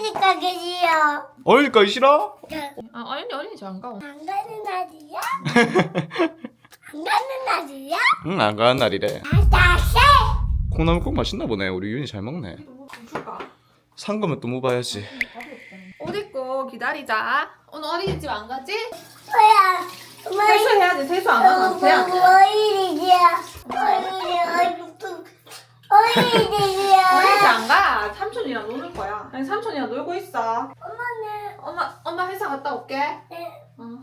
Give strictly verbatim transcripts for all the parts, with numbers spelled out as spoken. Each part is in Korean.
어린이 가기 싫어. 어린이 가기 싫어? 아 어린이 어린이 안 가. 안 가는 날이야? 안 가는 날이야? 응, 안 가는 날이래. 다시. 콩나물국 맛있나 보네. 우리 윤이 잘 먹네. 줄까? 산 거면 또 먹어야지. 옷 입고 기다리자. 오늘 어린이집 안 가지? 뭐야? 세수해야지. 세수 안 하면 돼. 어린이집이야. 어린이 어린이 어린이집이야. 어린이집 안 가. 삼촌이랑 노는 거야. 아니 삼촌이랑 놀고 있어. 엄마는 엄마 엄마 회사 갔다 올게. 네. 어.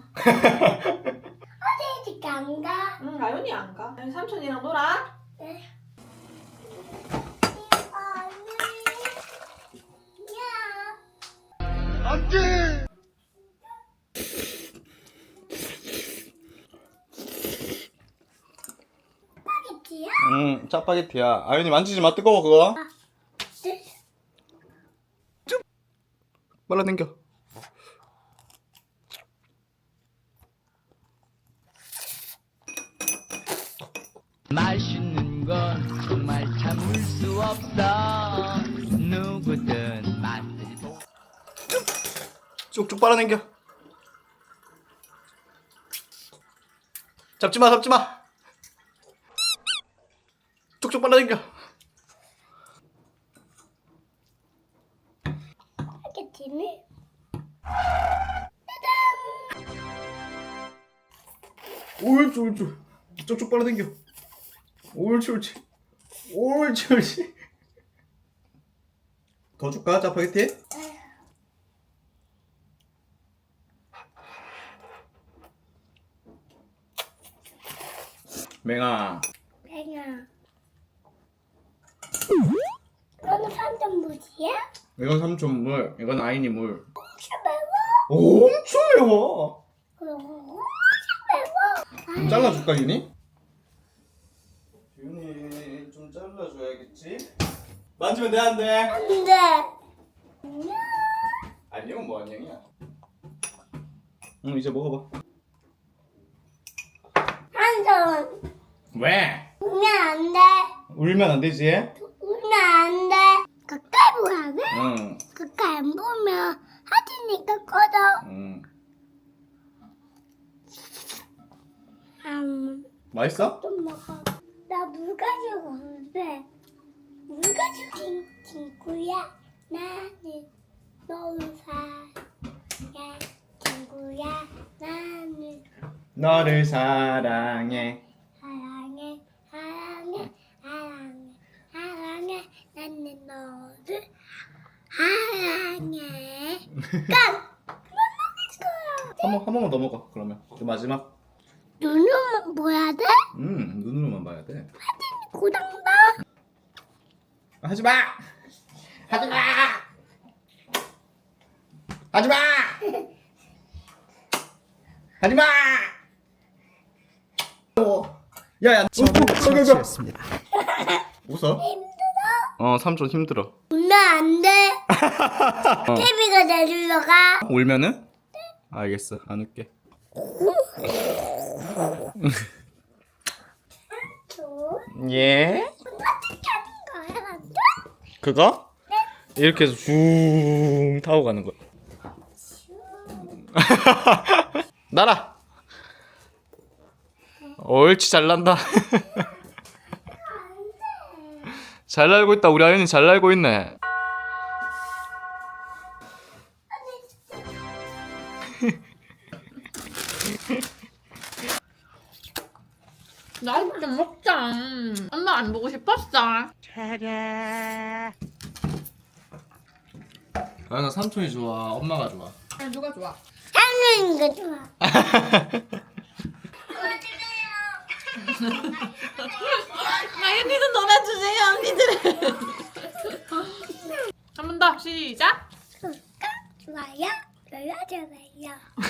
어린이집 안 가. 응 아윤이 안 가. 아니, 삼촌이랑 놀아. 네. 안돼. 스파게티야? 응, 짜파게티야. 아윤이 만지지 마. 뜨거워 그거. 네. 빨라 당겨. 맛있는 건 정말 참을 수 없어. 누구든 만들고 쭉쭉 빨아 당겨. 잡지 마, 잡지 마. 쭉쭉 빨아 당겨. 스파게티는 옳지, 옳지. 쭉쭉 빨아 당겨. 옳지, 옳지. 옳지, 옳지. 더 줄까, 짜파게티? 맹아. 뱅아. 너는 삼점 무지야? 이건 삼촌 물, 이건 아인이 물. 엄청 매워. 엄청 매워. 그럼 엄청 매워. 좀 잘라줄까, 윤이? 윤이 좀 잘라줘야겠지? 만지면 돼, 안 돼? 안 돼. 안녕은 뭐 안녕이야? 응, 이제 먹어봐. 한손 왜? 울면 안 돼. 울면 안 되지? 울면 안 돼. 가까이 보라 돼? 응, 가까이 안 보면 하트니까 꺼져. 응. 음, 맛있어? 좀 먹어. 나 물 가지고 온대. 물 가지고 친 친구야. 나는 너를 사랑해. 친구야. 나는 너를 사랑해. 사랑해. 사랑해. 사랑해. 사랑해. 나는 너를 사랑해. 깡! 그만 먹을 거야. 한 번, 한 번만 더 먹어, 그러면. 그 마지막. 눈은 뭐야 돼? 음, 눈으로만 봐야 돼. 고장나? 하지 마! 하지 마! 하지 마! 하지 마! 어. 야, 야. 처치했습니다. 웃어? 힘들어? 어, 삼촌 힘들어. 울면 안 돼. 케비가 내주러 가. 울면은? 알겠어, 안 울게. 줘. 예? 어떻게 하는 거야, 완전? 그거? 이렇게 해서 쭉 타고 가는 거야. 날아. 옳지, 잘 난다. 잘 날고 있다. 우리 아연이 잘 날고 있네. 나도 좀 먹자. 엄마 안 보고 싶었어. 아연아, 삼촌이 좋아, 엄마가 좋아? 아, 누가 좋아? 하는 거 좋아. 아윤이도 놀아주세요 언니들. 한 번 더 시작. 구독과 좋아요 눌러주세요.